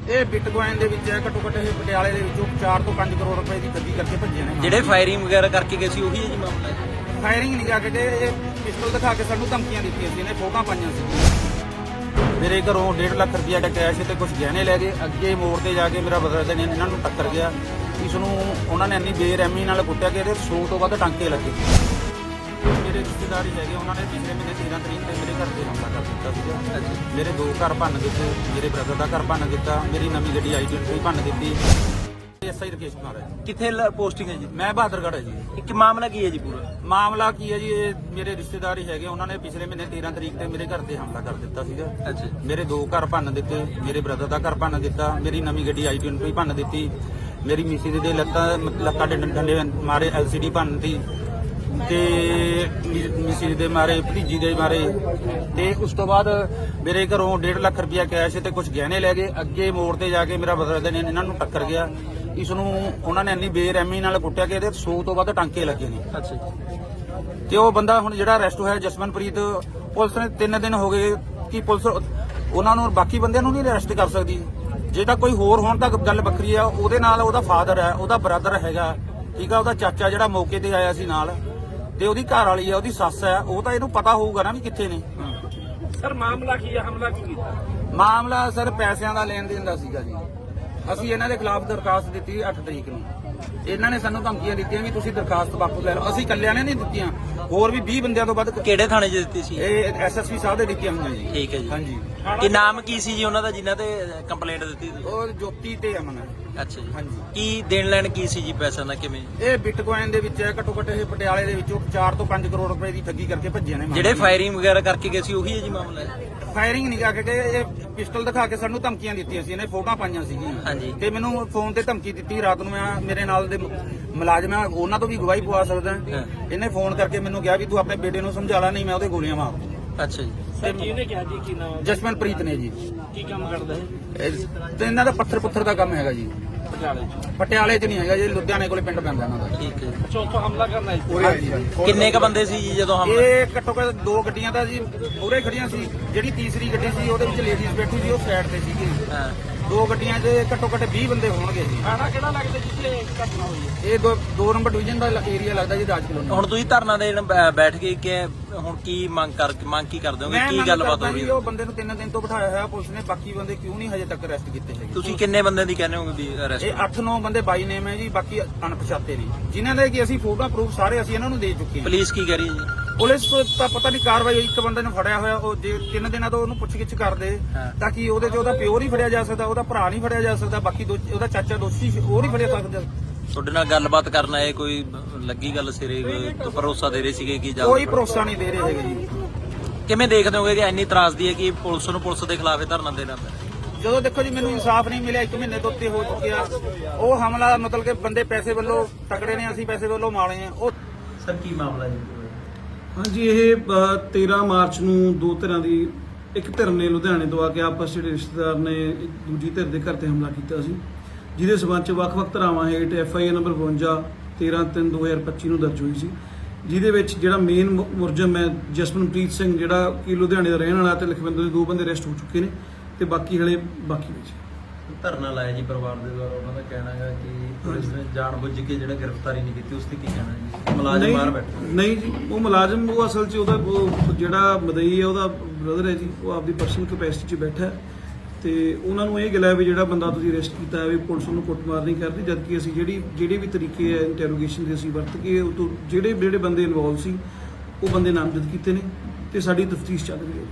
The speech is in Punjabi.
ਇਹ ਬਿਟਕੋਇਨ ਦੇ ਵਿੱਚ ਹੈ, ਘੱਟੋ ਘੱਟ ਇਹ ਪਟਿਆਲੇ ਦੇ ਵਿੱਚੋਂ 4 ਤੋਂ 5 ਕਰੋੜ ਰੁਪਏ ਦੀ ਠੱਗੀ ਕਰਕੇ ਭੱਜੇ ਨੇ। ਜਿਹੜੇ ਫਾਇਰਿੰਗ ਵਗੈਰਾ ਕਰਕੇ ਗਏ ਸੀ ਉਹੀ ਹੈ ਜੀ ਮਾਮਲਾ? ਫਾਇਰਿੰਗ ਨਹੀਂ ਕਰਕੇ ਗਏ, ਇਹ ਪਿਸਟਲ ਦਿਖਾ ਕੇ ਸਾਨੂੰ ਧਮਕੀਆਂ ਦਿੱਤੀਆਂ ਸੀ, ਇਹਨੇ ਫੋਟੋਆਂ ਪਾਈਆਂ ਸੀ। ਮੇਰੇ ਘਰੋਂ 1.5 ਲੱਖ ਰੁਪਇਆ ਦਾ ਕੈਸ਼ ਤੇ ਕੁਝ ਗਹਿਣੇ ਲੈ ਗਏ। ਅੱਗੇ ਮੋੜ ਤੇ ਜਾ ਕੇ ਮੇਰਾ ਬਦਲਦੇ ਨੇ ਇਹਨਾਂ ਨੂੰ ਟੱਕਰ ਗਿਆ। ਇਸ ਨੂੰ ਉਹਨਾਂ ਨੇ ਇੰਨੀ ਬੇਰਹਿਮੀ ਨਾਲ ਕੁੱਟਿਆ ਕਿ ਇਹਦੇ 100 ਤੋਂ ਵੱਧ ਟਾਂਕੇ ਲੱਗੇ। ਮੇਰੇ ਰਿਸ਼ਤੇਦਾਰ ਹੈਗੇ, ਉਹਨਾਂ ਨੇ ਪਿਛਲੇ ਮਹੀਨੇ 13 ਤਰੀਕ ਤੇ ਮੇਰੇ ਘਰ ਤੇ ਹਮਲਾ ਕਰ ਦਿੱਤਾ ਸੀਗਾ। ਮੇਰੇ 2 ਘਰ ਭੰਨ ਦਿੱਤੇ, ਮੇਰੇ ਬ੍ਰਦਰ ਦਾ ਘਰ ਭੰਨ ਦਿੱਤਾ, ਮੇਰੀ ਨਵੀਂ ਗੱਡੀ ਆਈਡੈਂਟੀ ਭੰਨ ਦਿੱਤੀ। ਐਸਆਈ ਰਕੇਸ਼ ਕੁਮਾਰ ਹੈ। ਕਿੱਥੇ ਪੋਸਟਿੰਗ ਹੈ ਜੀ? ਮੈਂ ਬਹਾਦਰਗੜ੍ਹ ਹੈ ਜੀ। ਇੱਕ ਮਾਮਲਾ ਕੀ ਹੈ ਜੀ ਪੂਰਾ? ਮਾਮਲਾ ਕੀ ਹੈ ਜੀ, ਇਹ ਮੇਰੇ ਰਿਸ਼ਤੇਦਾਰ ਹੀ ਹੈਗੇ, ਉਹਨਾਂ ਨੇ ਪਿਛਲੇ ਮਹੀਨੇ 13 ਤਰੀਕ ਤੇ ਮੇਰੇ ਘਰ ਤੇ ਹਮਲਾ ਕਰ ਦਿੱਤਾ ਸੀਗਾ। ਅੱਛਾ। ਮੇਰੇ 2 ਘਰ ਭੰਨ ਦਿੱਤੇ, ਮੇਰੇ ਬ੍ਰਦਰ ਦਾ ਘਰ ਭੰਨ ਦਿੱਤਾ, ਮੇਰੀ ਨਵੀਂ ਗੱਡੀ ਆਈਡੈਂਟੀ ਭੰਨ ਦਿੱਤੀ, ਮੇਰੀ ਮਿਸਿਸ ਦੇ ਲੱਤਾਂ ਡੰਡੇ ਮਾਰੇ, ਐਲਸੀਡੀ ਭੰਨਤੀ ਤੇ ਮਿਸਿਸ ਦੇ ਮਾਰੇ, ਭਤੀਜੀ ਦੇ ਮਾਰੇ। ਤੇ ਉਸ ਤੋਂ ਬਾਅਦ ਮੇਰੇ ਘਰੋਂ 1.5 ਲੱਖ ਰੁਪਇਆ ਕੈਸ਼ ਤੇ ਕੁਝ ਗਹਿਣੇ ਲੈ ਗਏ। ਅੱਗੇ ਮੋੜ ਤੇ ਜਾ ਕੇ ਮੇਰਾ ਬਦਲਦੇ ਨੇ ਇਹਨਾਂ ਨੂੰ ਟੱਕਰ ਗਿਆ। ਇਸ ਨੂੰ ਉਹਨਾਂ ਨੇ ਇੰਨੀ ਬੇਰਹਿਮੀ ਨਾਲ ਕੁੱਟਿਆ ਕਿ ਇਹਦੇ 100 ਤੋਂ ਵੱਧ ਟਾਂਕੇ ਲੱਗੇ ਨੇ। ਅੱਛਾ ਜੀ। ਤੇ ਉਹ ਬੰਦਾ ਹੁਣ ਜਿਹੜਾ ਅਰੈਸਟ ਹੋਇਆ ਜਸਮਨਪ੍ਰੀਤ, ਪੁਲਿਸ ਨੇ 3 ਦਿਨ ਹੋ ਗਏ ਕਿ ਪੁਲਿਸ ਉਹਨਾਂ ਨੂੰ, ਬਾਕੀ ਬੰਦਿਆਂ ਨੂੰ ਨਹੀਂ ਅਰੈਸਟ ਕਰ ਸਕਦੀ। ਜੇ ਤਾਂ ਕੋਈ ਹੋਰ ਹੋਣ ਤਾਂ ਗੱਲ ਵੱਖਰੀ ਆ। ਉਹਦੇ ਨਾਲ ਉਹਦਾ ਫਾਦਰ ਹੈ, ਉਹਦਾ ਬ੍ਰਦਰ ਹੈਗਾ, ਠੀਕ ਆ, ਉਹਦਾ ਚਾਚਾ ਜਿਹੜਾ ਮੌਕੇ ਤੇ ਆਇਆ ਸੀ ਨਾਲ, ਤੇ ਉਹਦੀ ਘਰ ਵਾਲੀ ਆ, ਉਹਦੀ ਸੱਸ ਹੈ। ਉਹ ਤਾਂ ਇਹਨੂੰ ਪਤਾ ਹੋਊਗਾ ਨਾ ਵੀ ਕਿੱਥੇ ਨੇ। ਸਰ ਮਾਮਲਾ ਕੀ ਹੈ, ਹਮਲਾ ਕੀ ਕੀਤਾ? ਮਾਮਲਾ ਸਰ ਪੈਸਿਆਂ ਦਾ ਲੈਣ ਦੇਣ ਦਾ ਸੀਗਾ ਜੀ। ਅਸੀਂ ਇਹਨਾਂ ਦੇ ਖਿਲਾਫ ਦਰਖਾਸਤ ਦਿੱਤੀ 8 ਤਰੀਕ ਨੂੰ। ਇਹਨਾਂ ਨੇ ਸਾਨੂੰ ਧਮਕੀਆਂ ਦਿੱਤੀਆਂ ਵੀ ਤੁਸੀਂ ਦਰਖਾਸਤ ਵਾਪਸ ਲੈ ਲਓ। ਅਸੀਂ ਇਕੱਲਿਆਂ ਨੇ ਨਹੀਂ ਦਿੱਤੀਆਂ, ਹੋਰ ਵੀ 20 ਬੰਦਿਆਂ ਤੋਂ ਵੱਧ। ਕਿਹੜੇ ਥਾਣੇ 'ਚ ਦਿੱਤੀ ਸੀ? ਇਹ ਐਸਐਸਪੀ ਸਾਹਿਬ ਦੇ ਦਿੱਤੀਆਂ ਹੋਈਆਂ ਜੀ। ਠੀਕ ਹੈ ਜੀ। ਹਾਂਜੀ। ਕੀ ਨਾਮ ਕੀ ਸੀ ਜੀ ਉਹਨਾਂ ਦਾ ਜਿਨ੍ਹਾਂ ਤੇ ਕੰਪਲੇਂਟ ਦਿੱਤੀ ਤੁਸੀਂ? ਉਹ ਜੋਤੀ ਤੇ ਅਮਨ। ਅੱਛਾ ਜੀ। ਹਾਂਜੀ। ਕੀ ਦੇਣ ਲੈਣ ਕੀ ਸੀ ਜੀ ਪੈਸਿਆਂ ਦਾ, ਕਿਵੇਂ? ਇਹ ਬਿਟਕੋਇਨ ਦੇ ਵਿੱਚ ਹੈ, ਘੱਟੋ ਘੱਟ ਇਹ ਪਟਿਆਲੇ ਦੇ ਵਿੱਚੋਂ 4 ਤੋਂ 5 ਕਰੋੜ ਰੁਪਏ ਦੀ ਠੱਗੀ ਕਰਕੇ ਭੱਜੇ ਨੇ। ਜਿਹੜੇ ਫਾਇਰਿੰਗ ਵਗੈਰਾ ਕਰਕੇ ਗਏ ਸੀ ਉਹੀ ਹੈ ਜੀ ਮਾਮਲਾ? ਫਾਇਰਿੰਗ ਨਹੀਂ ਕਰਕੇ ਗਏ, ਇਹ ਪਿਸਟਲ ਦਿਖਾ ਕੇ ਸਾਨੂੰ ਧਮਕੀਆਂ ਦਿੱਤੀਆਂ ਸੀ, ਇਹਨੇ ਫੋਟੋਆਂ ਪਾਈਆਂ ਸੀਗੀਆਂ। ਹਾਂਜੀ। ਤੇ ਮੈਨੂੰ ਫੋਨ ਤੇ ਧਮਕੀ ਦਿੱਤੀ ਰਾਤ ਨੂੰ। ਮੈਂ ਮੇਰੇ ਨਾਲ ਦੇ ਮੁਲਾਜ਼ਮ ਆ, ਉਹਨਾਂ ਤੋਂ ਵੀ ਗਵਾਹੀ ਪਵਾ ਸਕਦਾ। ਇਹਨੇ ਫੋਨ ਕਰਕੇ ਮੈਨੂੰ ਕਿਹਾ ਵੀ ਤੂੰ ਆਪਣੇ ਬੇਟੇ ਨੂੰ ਸਮਝਾ ਲੈ, ਨਹੀਂ ਮੈਂ ਉਹਦੇ ਗੋਲੀਆਂ ਮਾਰ ਦੂੰ। ਅੱਛਾ ਜੀ। ਸਰ ਕਿਹਨੇ ਕਿਹਾ ਜੀ, ਕੀ ਨਾਮ? ਜਸਮਨਪ੍ਰੀਤ ਨੇ ਜੀ। ਕੀ ਕੰਮ ਕਰਦਾ ਹੈ? ਤੇ ਇਹਨਾਂ ਦਾ ਪੱਥਰ ਦਾ ਕੰਮ ਹੈਗਾ ਜੀ। ਪਟਿਆਲੇ 'ਚ ਨਹੀਂ ਹੈਗਾ ਜੀ, ਲੁਧਿਆਣੇ ਕੋਲੇ ਪਿੰਡ ਪੈਂਦਾ ਇਹਨਾਂ ਦਾ। ਠੀਕ ਹੈ। ਚੌਥਾ ਹਮਲਾ ਕਰਨਾ ਹੈ। ਹਾਂਜੀ। ਕਿੰਨੇ ਕ ਬੰਦੇ ਸੀ ਜੀ ਜਦੋਂ ਹਮਲਾ? ਇਹ ਘੱਟੋ ਘੱਟ 2 ਗੱਡੀਆਂ ਤਾਂ ਜੀ ਮੂਹਰੇ ਖੜੀਆਂ ਸੀ। ਜਿਹੜੀ ਤੀਸਰੀ ਗੱਡੀ ਸੀ ਉਹਦੇ ਵਿੱਚ ਲੇਡੀਜ਼ ਬੈਠੀ ਸੀ, ਉਹ ਸਾਈਡ ਤੇ ਸੀਗੀ। ਹਾਂ। 2 ਗੱਡੀਆਂ 'ਚ ਘੱਟੋ ਘੱਟ 20 ਬੰਦੇ ਹੋਣਗੇ ਜੀ। ਥਾਣਾ ਕਿਹੜਾ ਲੱਗਦਾ ਜਿੱਥੇ ਘਟਨਾ ਹੋਈ ਹੈ? ਇਹ 2 ਨੰਬਰ ਡਿਵੀਜ਼ਨ ਦਾ ਏਰੀਆ ਲੱਗਦਾ ਜੀ, ਰਾਜ ਕਲੋਨੀ। ਹੁਣ ਤੁਸੀਂ ਧਰਨਾ ਦੇਣ ਬੈਠ ਗਏ ਕਿ ਹੁਣ ਕੀ ਮੰਗ ਕੀ ਕਰਦੇ ਹੋਗੇ? ਕੀ ਗੱਲਬਾਤ ਹੋ ਰਹੀ ਹੈ? ਉਹ ਬੰਦੇ ਨੂੰ 3 ਦਿਨ ਤੋਂ ਬਿਠਾਇਆ ਹੋਇਆ ਪੁਲਿਸ ਨੇ। ਬਾਕੀ ਬੰਦੇ ਕਿਉਂ ਨਹੀਂ ਹਜੇ ਤੱਕ ਅਰੈਸਟ ਕੀਤੇ ਹੈਗੇ? ਤੁਸੀਂ ਕਿੰਨੇ ਬੰਦਿਆਂ ਦੀ ਕਹਿੰਦੇ ਹੋਗੇ ਵੀ ਅਰੈਸਟ? ਇਹ 8-9 ਬੰਦੇ ਬਾਈ ਨੇਮ ਹੈ ਜੀ, ਬਾਕੀ ਅਣਪਛਾਤੇ ਨੇ, ਜਿਨ੍ਹਾਂ ਦੇ ਕਿ ਅਸੀਂ ਫੋਟੋ ਪ੍ਰੂਫ ਸਾਰੇ ਅਸੀਂ ਇਹਨਾਂ ਨੂੰ ਦੇ ਚੁੱਕੇ ਹਾਂ। ਪੁਲਿਸ ਕੀ ਕਰੀ ਜੀ? ਪੁਲਿਸ ਤੋਂ ਤਾਂ ਪਤਾ ਨਹੀਂ ਕਾਰਵਾਈ ਹੋਈ। ਇੱਕ ਬੰਦੇ ਨੂੰ ਫੜਿਆ ਹੋਇਆ, ਉਹ ਜੇ 3 ਦਿਨਾਂ ਤੋਂ ਉਹਨੂੰ ਪੁੱਛਗਿੱਛ ਕਰਦੇ ਤਾਂ ਕਿ ਉਹਦੇ 'ਚ ਉਹਦਾ ਪਿਓ ਨਹੀਂ ਫੜਿਆ ਜਾ ਸਕਦਾ, ਉਹਦਾ ਭਰਾ ਨਹੀਂ ਫੜਿਆ ਜਾ ਸਕਦਾ, ਬਾਕੀ ਉਹਦਾ ਚਾਚਾ ਦੋਸ਼ੀ ਉਹ ਨਹੀਂ ਫੜਿਆ ਸਕਦਾ। ਤੁਹਾਡੇ ਨਾਲ ਗੱਲਬਾਤ ਕਰਨ ਆਏ, ਕੋਈ ਲੱਗੀ ਗੱਲ ਸਿਰੇ, ਕੋਈ ਭਰੋਸਾ ਦੇ ਰਹੇ ਸੀਗੇ ਕਿ ਕੋਈ ਭਰੋਸਾ ਨਹੀਂ ਦੇ ਰਹੇ ਹੈਗੇ ਜੀ। ਕਿਵੇਂ ਦੇਖਦੇ ਹੋਗੇ ਕਿ ਇੰਨੀ ਤਰਾਸਦੀ ਹੈ ਕਿ ਪੁਲਿਸ ਦੇ ਖਿਲਾਫ ਇਹ ਧਰਨਾ ਦੇਣਾ ਪਿਆ? ਜਦੋਂ ਦੇਖੋ ਜੀ ਮੈਨੂੰ ਇਨਸਾਫ ਨਹੀਂ ਮਿਲਿਆ, 1 ਮਹੀਨੇ ਤੋਂ ਉੱਤੇ ਹੋ ਚੁੱਕਿਆ। ਉਹ ਹਮਲਾ ਮਤਲਬ ਕਿ ਬੰਦੇ ਪੈਸੇ ਵੱਲੋਂ ਤਕੜੇ ਨੇ, ਅਸੀਂ ਪੈਸੇ ਵੱਲੋਂ ਮਾੜੇ ਆ। ਉਹ ਸਰ ਕੀ ਮਾਮਲਾ ਜੀ? ਹਾਂਜੀ, ਇਹ 13 ਮਾਰਚ ਨੂੰ 2 ਧਿਰਾਂ ਦੀ, ਇੱਕ ਧਿਰ ਨੇ ਲੁਧਿਆਣੇ ਤੋਂ ਆ ਕੇ ਆਪਸ ਜਿਹੜੇ ਰਿਸ਼ਤੇਦਾਰ ਨੇ ਇੱਕ ਦੂਜੀ ਧਿਰ ਦੇ ਘਰ ਤੇ ਹਮਲਾ ਕੀਤਾ ਸੀ, ਜਿਹਦੇ ਸਬੰਧ 'ਚ ਵੱਖ-ਵੱਖ ਧਾਰਾਵਾਂ ਹੇਠ FIR ਨੰਬਰ 52 13/3/2025 ਨੂੰ ਦਰਜ ਹੋਈ ਸੀ, ਜਿਹਦੇ ਵਿੱਚ ਜਿਹੜਾ ਮੇਨ ਮੁਲਜ਼ਮ ਹੈ ਜਸਮਨਪ੍ਰੀਤ ਸਿੰਘ, ਜਿਹੜਾ ਕਿ ਲੁਧਿਆਣੇ ਦਾ ਰਹਿਣ ਵਾਲਾ, ਤੇ ਲਖਵਿੰਦਰ ਦੇ 2 ਬੰਦੇ ਅਰੈਸਟ ਹੋ ਚੁੱਕੇ ਨੇ ਤੇ ਬਾਕੀ ਹਲੇ ਬਾਕੀ ਵਿੱਚ। ਧਰਨਾ ਲਾਇਆ ਜੀ ਪਰਿਵਾਰ ਦੇ ਦੁਆਰਾ, ਉਹਨਾਂ ਦਾ ਕਹਿਣਾ ਹੈ ਕਿ ਪੁਲਿਸ ਨੇ ਜਾਣਬੁੱਝ ਕੇ ਜਿਹੜਾ ਗ੍ਰਿਫਤਾਰੀ ਨਹੀਂ ਕੀਤੀ, ਉਸ ਤੇ ਕੀ ਕਹਿਣਾ ਜੀ? ਮੁਲਾਜ਼ਮ ਬਾਹਰ ਬੈਠੇ? ਨਹੀਂ ਜੀ, ਉਹ ਮੁਲਾਜ਼ਮ, ਉਹ ਅਸਲ 'ਚ ਉਹ ਜਿਹੜਾ ਮਦਈ ਹੈ ਉਹਦਾ ਬ੍ਰਦਰ ਹੈ ਜੀ, ਉਹ ਆਪਦੀ ਪਰਸਨਲ ਕੈਪੈਸਿਟੀ 'ਚ ਬੈਠਾ ਤੇ ਉਹਨਾਂ ਨੂੰ ਇਹ ਗਿਲਾ ਵੀ ਜਿਹੜਾ ਬੰਦਾ ਤੁਸੀਂ ਅਰੈਸਟ ਕੀਤਾ ਹੈ ਵੀ ਪੁਲਿਸ ਨੂੰ ਕੁੱਟਮਾਰ ਨਹੀਂ ਕਰਦੀ, ਜਦਕਿ ਅਸੀਂ ਜਿਹੜੇ ਵੀ ਤਰੀਕੇ ਹੈ ਇੰਟਰੋਗੇਸ਼ਨ ਦੇ ਅਸੀਂ ਵਰਤ ਕੇ ਉਹ ਤੋਂ ਜਿਹੜੇ ਬੰਦੇ ਇਨਵੋਲਵ ਸੀ ਉਹ ਬੰਦੇ ਨਾਮਜ਼ਦ ਕੀਤੇ ਨੇ ਤੇ ਸਾਡੀ ਤਫਤੀਸ਼ ਚੱਲ ਰਹੀ ਹੈ।